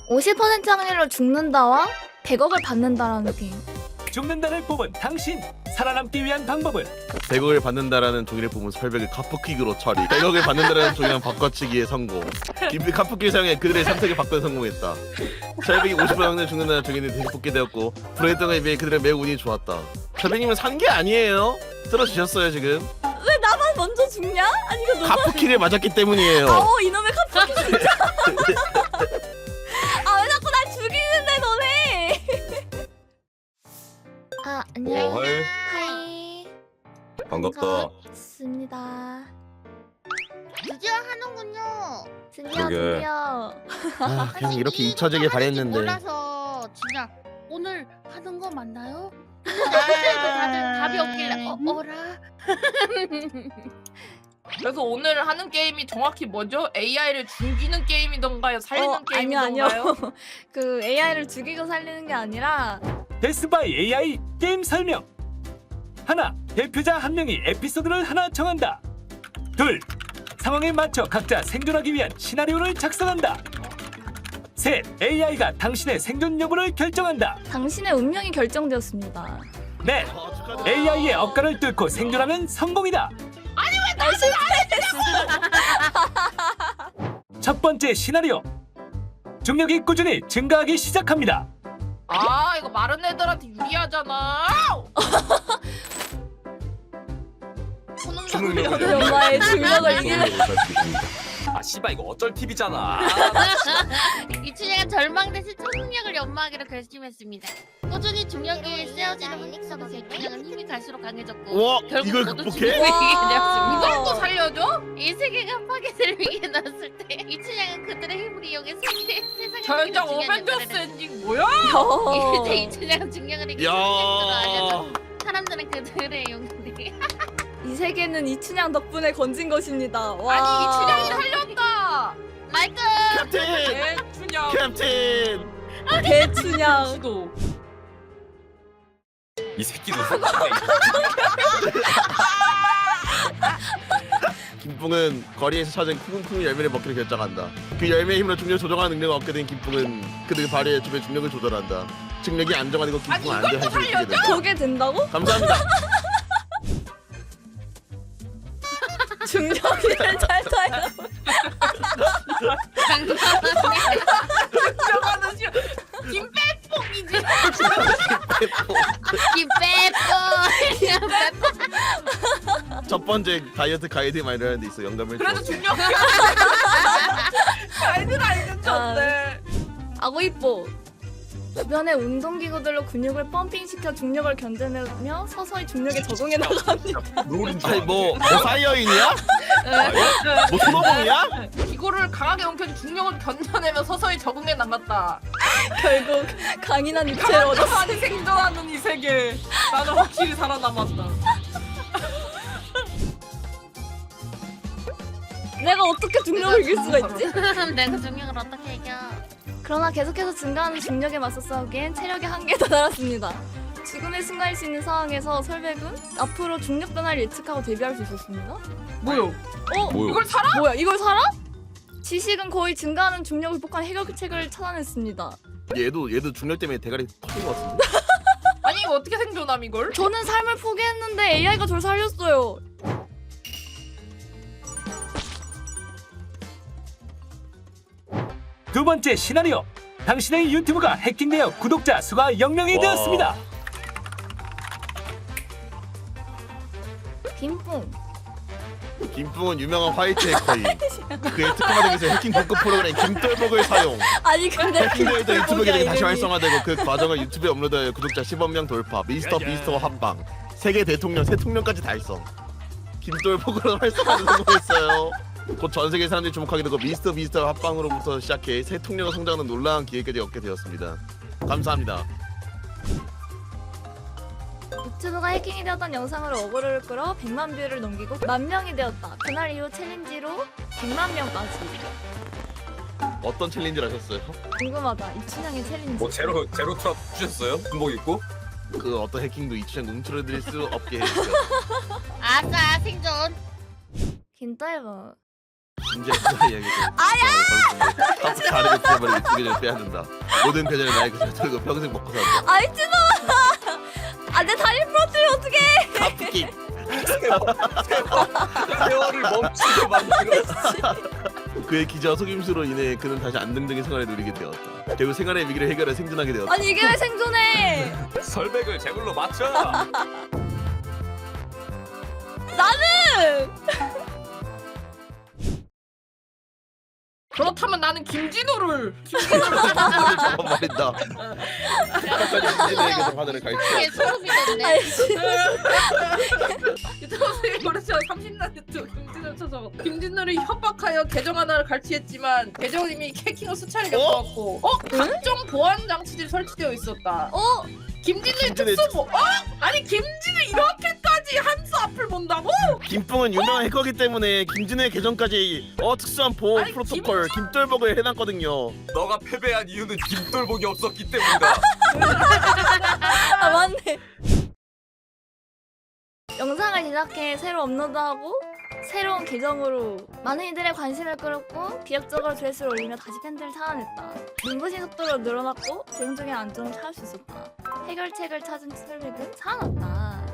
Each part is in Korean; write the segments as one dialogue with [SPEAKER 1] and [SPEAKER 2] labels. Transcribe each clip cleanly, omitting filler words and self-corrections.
[SPEAKER 1] 50% 확률로 죽는다와 100억을 받는다라는 게임.
[SPEAKER 2] 죽는다를 뽑은 당신 살아남기 위한 방법은
[SPEAKER 3] 100억을 받는다라는 종이를 뽑은 설백을 카프킥으로 처리. 100억을 받는다라는 종이랑 바꿔치기에 성공. 카프킥 사용해 그들의 선택을 바꾸는 성공했다. 설백이 50% 확률 죽는다는 종이는 대신 뽑게 되었고 불행했던 비해 그들의 매우 운이 좋았다. 설백님은 산 게 아니에요. 쓰러지셨어요 지금.
[SPEAKER 1] 왜 나만 먼저 죽냐? 아니 이거 너무.
[SPEAKER 3] 카프킥을 맞았기 때문이에요.
[SPEAKER 1] 이놈의 카프킥 진짜. 아 왜 자꾸 날 죽이는데 너네. 아 안녕.
[SPEAKER 4] 헐.
[SPEAKER 1] 하이.
[SPEAKER 4] 반갑다.
[SPEAKER 1] 반갑습니다.
[SPEAKER 5] 드디어 하는군요.
[SPEAKER 1] 드디어
[SPEAKER 4] 그러게.
[SPEAKER 1] 드디어.
[SPEAKER 3] 아 그냥 이렇게 잊혀지길 바랬는데.
[SPEAKER 5] 몰라서 진짜 오늘 하는 거 맞나요? 그때도 다들 답이 없길래 어라?
[SPEAKER 6] 그래서 오늘 하는 게임이 정확히 뭐죠? AI를 죽이는 게임이던가요? 살리는 게임이던가요?
[SPEAKER 1] 아니요. 그 AI를 죽이고 살리는 게 아니라
[SPEAKER 2] 데스바이 AI 게임 설명. 하나, 대표자 한 명이 에피소드를 하나 정한다. 둘, 상황에 맞춰 각자 생존하기 위한 시나리오를 작성한다. 셋, AI가 당신의 생존 여부를 결정한다.
[SPEAKER 1] 당신의 운명이 결정되었습니다.
[SPEAKER 2] 넷, AI의 억가를 뚫고 생존하면 성공이다. 첫 번째 시나리오. 중력이 꾸준히 증가하기 시작합니다.
[SPEAKER 6] 아 이거 마른 애들한테 유리하잖아.
[SPEAKER 1] 우리 엄마의 중력을 이기는.
[SPEAKER 4] 아 씨발 이거 어쩔 팁이잖아.
[SPEAKER 5] 이춘향은 절망 대신 초능력을 연마하기로 결심했습니다. 꾸준히 중력이 쓰여지는 흔익 속에서 이춘향은 힘이 갈수록 강해졌고
[SPEAKER 3] 와
[SPEAKER 5] 결국
[SPEAKER 3] 이걸
[SPEAKER 5] 모두
[SPEAKER 3] 극복해?
[SPEAKER 5] 중력을 이기게 되었습니다.
[SPEAKER 6] 이걸 또 살려줘?
[SPEAKER 5] 이 세계가 파괴될 위기에 나섰을 때 이춘향은 그들의 힘을 이용해 세상을
[SPEAKER 6] 전장
[SPEAKER 5] 이기는 중요한
[SPEAKER 6] 오벤져스
[SPEAKER 5] 역할을
[SPEAKER 6] 엔딩 뭐야?
[SPEAKER 5] 이제 이춘향은 중력을 이기는 능력으로 알려져 사람들은 그들의 용기
[SPEAKER 1] 이 세계는 이춘향 덕분에 건진 것입니다. 와.
[SPEAKER 6] 아니 이춘향이 살렸다.
[SPEAKER 5] 라이트
[SPEAKER 3] 캡틴!
[SPEAKER 6] 이춘향.
[SPEAKER 3] 캡틴!
[SPEAKER 1] 대춘향.
[SPEAKER 6] 지도.
[SPEAKER 4] 이 새끼도.
[SPEAKER 3] 김풍은 거리에서 찾은 쿵쿵 열매를 먹기로 결정한다. 그 열매의 힘으로 중력을 조정하는 능력을 얻게 된 김풍은 그들 발에 주변 중력을 조절한다. 중력이 안정화되고
[SPEAKER 6] 아니,
[SPEAKER 3] 김풍은
[SPEAKER 6] 이것도
[SPEAKER 3] 안정해지게
[SPEAKER 6] 살려줘?
[SPEAKER 3] 된다.
[SPEAKER 1] 저게 된다고?
[SPEAKER 3] 감사합니다.
[SPEAKER 1] 중력을 잘 타요.
[SPEAKER 6] 들어가는 시 김빼뽕이지.
[SPEAKER 5] 기빼뽀
[SPEAKER 3] 첫 번째 다이어트 가이드 마이라는 데 있어. 영감을
[SPEAKER 6] 그래도
[SPEAKER 3] 줘.
[SPEAKER 6] 중력. 가이드가 있는 건데.
[SPEAKER 1] 아고 이뻐. 주변의 운동기구들로 근육을 펌핑시켜 중력을 견뎌내며 서서히 중력에 적응해 나갑니다.
[SPEAKER 4] 롤인 줄
[SPEAKER 3] 아니
[SPEAKER 4] 알았네.
[SPEAKER 3] 뭐 사이어인이야? 뭐 손오공이야?
[SPEAKER 6] 기구를 강하게 움켜쥐 중력을 견뎌내며 서서히 적응해 나갔다.
[SPEAKER 1] 결국 강인한 육체를 얻었어.
[SPEAKER 6] 가만히 생존하는 이 세계. 나는 확실히 살아남았다.
[SPEAKER 1] 내가 어떻게 중력을 이길 수가 있지?
[SPEAKER 5] 내가 중력을 어떻게 이겨
[SPEAKER 1] 그러나 계속해서 증가하는 중력에 맞서 싸우기엔 체력의 한계에 다다랐습니다. 죽음의 순간일 수 있는 상황에서 설백은 앞으로 중력 변화를 예측하고 대비할 수 있었습니다.
[SPEAKER 6] 뭐요?
[SPEAKER 4] 뭐요?
[SPEAKER 6] 이걸 살아?
[SPEAKER 1] 뭐야 이걸 살아? 지식은 거의 증가하는 중력을 극복한 해결책을 찾아냈습니다.
[SPEAKER 3] 얘도 중력 때문에 대가리 커진 것 같은데.
[SPEAKER 6] 아니 이거 어떻게 생존함 이걸?
[SPEAKER 1] 저는 삶을 포기했는데 AI가 저를 살렸어요.
[SPEAKER 2] 두 번째 시나리오. 당신의 유튜브가 해킹되어 구독자 수가 0명이
[SPEAKER 4] 와.
[SPEAKER 2] 되었습니다.
[SPEAKER 1] 김뿡.
[SPEAKER 3] 김풍은 유명한 화이트 해커인. 그의 특허받은 기술 해킹 공급 프로그램 김돌복을 사용.
[SPEAKER 1] 아니 근데
[SPEAKER 3] 해킹되었던 유튜브 계정이 다시
[SPEAKER 1] 이름이.
[SPEAKER 3] 활성화되고 그 과정을 유튜브에 업로드하여 구독자 10억 명 돌파. 미스터 비스트와 합방. 세계 대통령 새 통령까지 달성. 김돌복으로 활성화를 성공했어요. 곧 전 세계 사람들이 주목하게 되고 미스터 비스트와 합방으로부터 시작해 새 통령으로 성장하는 놀라운 기회까지 얻게 되었습니다. 감사합니다.
[SPEAKER 1] 유튜브가 해킹이 되었던 영상으로 어그로를 끌어 100만 뷰를 넘기고 10,000명이 되었다. 그날 이후 챌린지로 100만 명까지.
[SPEAKER 3] 어떤 챌린지를 하셨어요?
[SPEAKER 1] 궁금하다. 이춘향의 챌린지.
[SPEAKER 4] 뭐 제로 트랍 주셨어요? 군복 입고?
[SPEAKER 3] 그 어떤 해킹도 이춘향 농출해드릴 수 없게 해주세요.
[SPEAKER 5] 아싸 생존
[SPEAKER 1] 김떨보.
[SPEAKER 3] 이제 그날 이야기 아야 카프 가르고 빼버리고 두 개를 빼야 된다. 모든 계절에 나의 것을 털고 평생 먹고 산다.
[SPEAKER 1] 아이 찌마. 내 다리 부러뜨리면 어떡해.
[SPEAKER 3] 카프킥.
[SPEAKER 4] 세월을 멈추게 만들었어.
[SPEAKER 3] 그의 기저와 속임수로 인해 그는 다시 안정적인 생활을 누리게 되었다. 결국 생활의 위기를 해결해 생존하게 되었다.
[SPEAKER 1] 아니 이게 왜 생존해?
[SPEAKER 4] 설백을 제물로 맞춰.
[SPEAKER 1] 나는
[SPEAKER 6] 그렇다면 나는 김진우를
[SPEAKER 3] 저건 말인다. 끝까지 진에게도 하늘을
[SPEAKER 5] 이게
[SPEAKER 3] 갈지.
[SPEAKER 5] 소름이 돋네.
[SPEAKER 1] 아니
[SPEAKER 6] 유튜브에 그렇죠 30년 유튜브 김진우를 쳐서 김진우를 협박하여 계정 하나를 갈취했지만 계정은 이미 해킹을 수차례 겪어왔고 각종 보안 장치들이 설치되어 있었다. 김진우의
[SPEAKER 3] 김진우의
[SPEAKER 6] 특수보 아니 김진우 이렇게까지 한수 앞을 본다고?
[SPEAKER 3] 김뿡은 유명한 해커기 때문에 김진우의 계정까지 특수한 보호
[SPEAKER 6] 아니,
[SPEAKER 3] 프로토콜 김돌복을 해놨거든요.
[SPEAKER 4] 너가 패배한 이유는 김돌복이 없었기 때문이다.
[SPEAKER 1] 아 맞네. 영상을 제작해 새로 업로드하고 새로운 계정으로 많은 이들의 관심을 끌었고 기획적으로 조회수를 올리며 다시 팬들을 찾아냈다. 눈부신 속도로 늘어났고 재정적인 안정을 찾을 수 있었다. 해결책을 찾은 설백은 살아났다.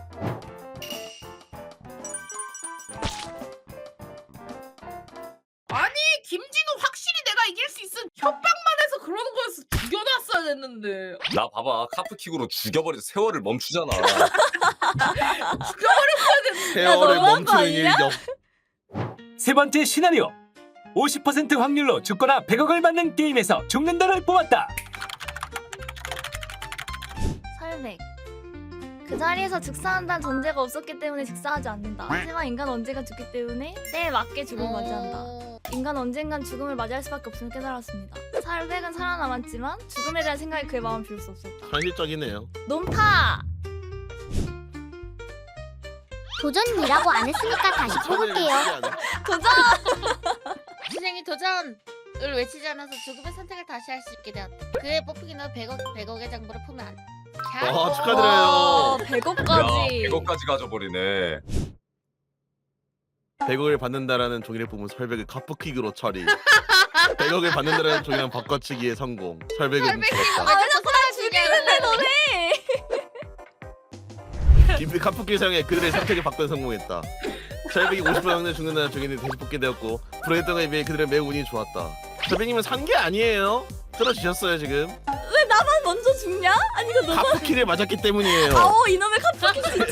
[SPEAKER 6] 아니 김진우 확실히 내가 이길 수 있음 협박만 해서 그러는 거였어. 죽여놨어야 됐는데
[SPEAKER 4] 나 봐봐 카프킥으로 죽여버려서 세월을 멈추잖아.
[SPEAKER 6] 죽여버렸어야 됐는데
[SPEAKER 3] 세월을
[SPEAKER 1] 너무한 거
[SPEAKER 3] 멈추는
[SPEAKER 1] 아니냐?
[SPEAKER 3] 일격.
[SPEAKER 2] 세 번째 시나리오 50% 확률로 죽거나 100억을 받는 게임에서 죽는다를 뽑았다.
[SPEAKER 1] 설백. 그 자리에서 즉사한다는 전제가 없었기 때문에 즉사하지 않는다. 하지만 인간 언젠가 죽기 때문에 때에 맞게 죽음을 맞이한다. 인간 언젠간 죽음을 맞이할 수밖에 없음을 깨달았습니다. 설백은 살아남았지만 죽음에 대한 생각이 그의 마음을 비울 수 없었다.
[SPEAKER 3] 현실적이네요.
[SPEAKER 1] 놈타!
[SPEAKER 7] 도전이라고 안 했으니까 다시 뽑을게요.
[SPEAKER 1] 도전!
[SPEAKER 5] 희생이 도전을 외치지 않아서 죽음의 선택을 다시 할 수 있게 되었다. 그의 뽑히기는 100억의 장부를 품에 안.
[SPEAKER 3] 와, 축하드려요.
[SPEAKER 1] 100억까지.
[SPEAKER 4] 100억까지 가져버리네.
[SPEAKER 3] 100억을 받는다라는 종이를 뽑은 설백을 카프킥으로 처리. 100억을 받는다라는 종이랑 바꿔치기에 성공. 설백은 죽었다.
[SPEAKER 1] 나 죽이는데 너네!
[SPEAKER 3] 김필 카프킥 사용해 그들의 선택을 바꿔 성공했다. 설백이 50% 확률 죽는다는 종이는 다시 뽑게 되었고 불행했던 것에 비해 그들의 매우 운이 좋았다. 설백님은 산 게 아니에요. 들어주셨어요 지금.
[SPEAKER 1] 왜 나만 먼저 죽냐? 아니 이거 너무
[SPEAKER 3] 카프킥을 맞았기 때문이에요.
[SPEAKER 1] 아오 이놈의 카프키 진짜.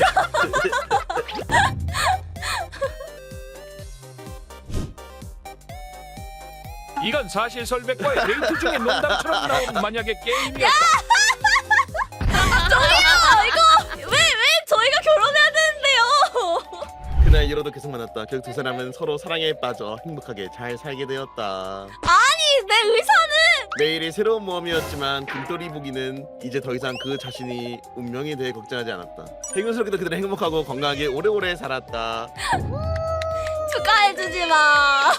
[SPEAKER 8] 이건 사실 설백과의 데이트 중에 농담처럼 나온 만약의 게임이었다.
[SPEAKER 1] 왜 저희가 결혼해야 되는데요?
[SPEAKER 3] 그날 이로도 계속 만났다. 결국 두 사람은 서로 사랑에 빠져 행복하게 잘 살게 되었다.
[SPEAKER 1] 내 의사는
[SPEAKER 3] 매일이 새로운 모험이었지만 김돌이 보기는 이제 더 이상 그 자신이 운명에 대해 걱정하지 않았다. 행운스럽게도 그들은 행복하고 건강하게 오래오래 살았다.
[SPEAKER 1] 축하해주지 마.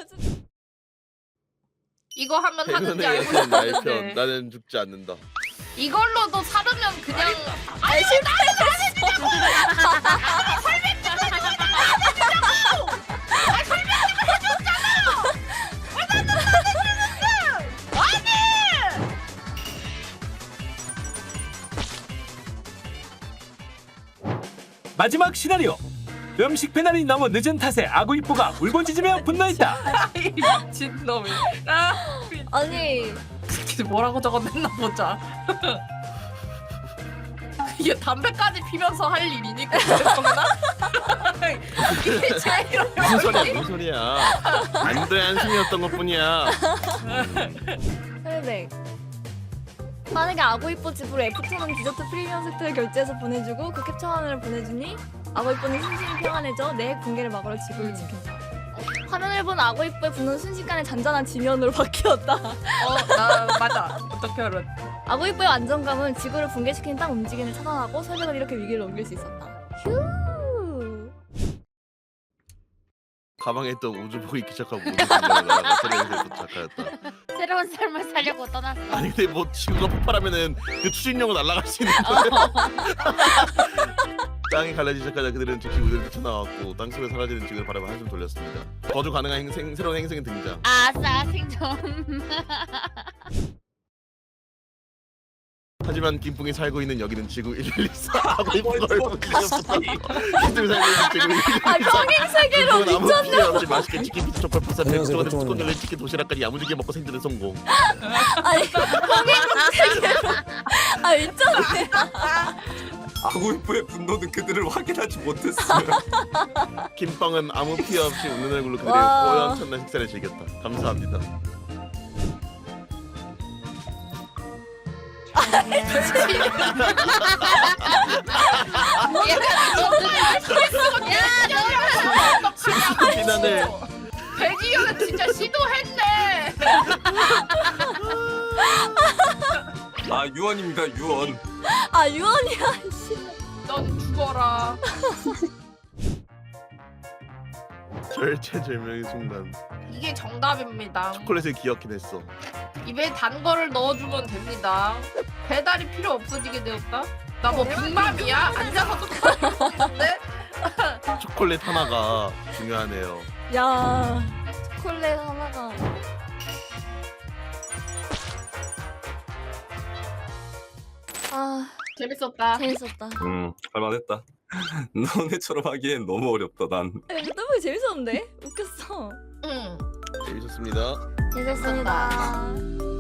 [SPEAKER 6] 이거 하면 하는지
[SPEAKER 3] 행운의
[SPEAKER 6] 알고
[SPEAKER 3] 여신 나의 편.
[SPEAKER 6] 있었는데
[SPEAKER 3] 나는 죽지 않는다.
[SPEAKER 6] 이걸로도 사르면 그냥
[SPEAKER 2] 마지막 시나리오 음식 배달이 너무 늦은 탓에 아구이뽀가 울부짖으며 분노했다.
[SPEAKER 6] 이 미친놈이
[SPEAKER 1] 아니
[SPEAKER 6] 뭐라고 적어냈나 보자. 이게 담배까지 피면서 할 일이니까 그랬구나. 이게 제일
[SPEAKER 3] 무슨 소리야? 무슨 소리야? 안돼 한숨이었던 것뿐이야.
[SPEAKER 1] 설백. 만약에 아구이뽀 집으로 애프터눈 디저트 프리미엄 세트를 결제해서 보내주고 그 캡처 화면을 보내주니 아구이뽀는 심신이 평안해져 내 핵 붕괴를 막으러 지구를 지킨다. 화면을 본 아구이뽀의 분노는 순식간에 잔잔한 지면으로 바뀌었다.
[SPEAKER 6] 나 맞아. 어떻게 알았?
[SPEAKER 1] 아구이뽀의 안정감은 지구를 붕괴시키는 땅 움직임을 차단하고 설백은 이렇게 위기를 넘길 수 있었다. 휴.
[SPEAKER 3] 가방에 있던 우주복이 기착하고 우주 공간에 날아가 세력에서 도착하였다.
[SPEAKER 5] 새로운 삶을 살려고 떠났어.
[SPEAKER 3] 아니 근데 뭐 지구가 폭발하면은 그 추진력으로 날아갈 수 있는 거야? 땅이 갈라지기 시작하자 그들은 즉시 우리를 뛰쳐나왔고 땅속에 사라지는 지구를 바라봐 한숨 돌렸습니다. 거주 가능한 새로운 행성의 등장.
[SPEAKER 5] 아싸 생존.
[SPEAKER 3] 하지만 김풍이 살고 있는 여기는 지구 1114 하고 이쁜 걸 보여줬어. 김풍이 살고 있는 지구 1114.
[SPEAKER 1] 아 평행 세계로
[SPEAKER 3] 아무
[SPEAKER 1] 미쳤나?
[SPEAKER 3] 필요 없이 맛있게 치킨 피자 족발 파스타 백종원의 뚜껑 열린 치킨 도시락까지 야무지게 먹고 생존에 성공.
[SPEAKER 1] 아니 평행 세계로 아 미쳤네.
[SPEAKER 4] 아구이프의 분노는 그들을 확인하지 못했어요.
[SPEAKER 3] 김빵은 아무 피해 없이 웃는 얼굴로 그들의
[SPEAKER 1] 와.
[SPEAKER 3] 호연천난 식사를 즐겼다. 감사합니다. 비난을
[SPEAKER 6] 배지현은 진짜 시도했네.
[SPEAKER 4] 아 유언입니다 유언.
[SPEAKER 1] 아 유언이야.
[SPEAKER 6] 넌 죽어라.
[SPEAKER 3] 절체절명의 순간
[SPEAKER 6] 이게 정답입니다.
[SPEAKER 3] 초콜릿을 기억긴 했어.
[SPEAKER 6] 입에 단 거를 넣어주면 됩니다. 배달이 필요 없어지게 되었다. 나 뭐 빅맘이야? 앉아서 똑같은데?
[SPEAKER 3] 초콜릿 하나가 중요하네요.
[SPEAKER 1] 야 초콜릿 하나가. 아
[SPEAKER 6] 재밌었다.
[SPEAKER 1] 재밌었다.
[SPEAKER 4] 할만했다. 너네처럼 하기엔 너무 어렵다 난.
[SPEAKER 1] 너무 재밌었는데? 웃겼어.
[SPEAKER 6] 응.
[SPEAKER 3] 재밌었습니다.
[SPEAKER 1] 재밌었습니다.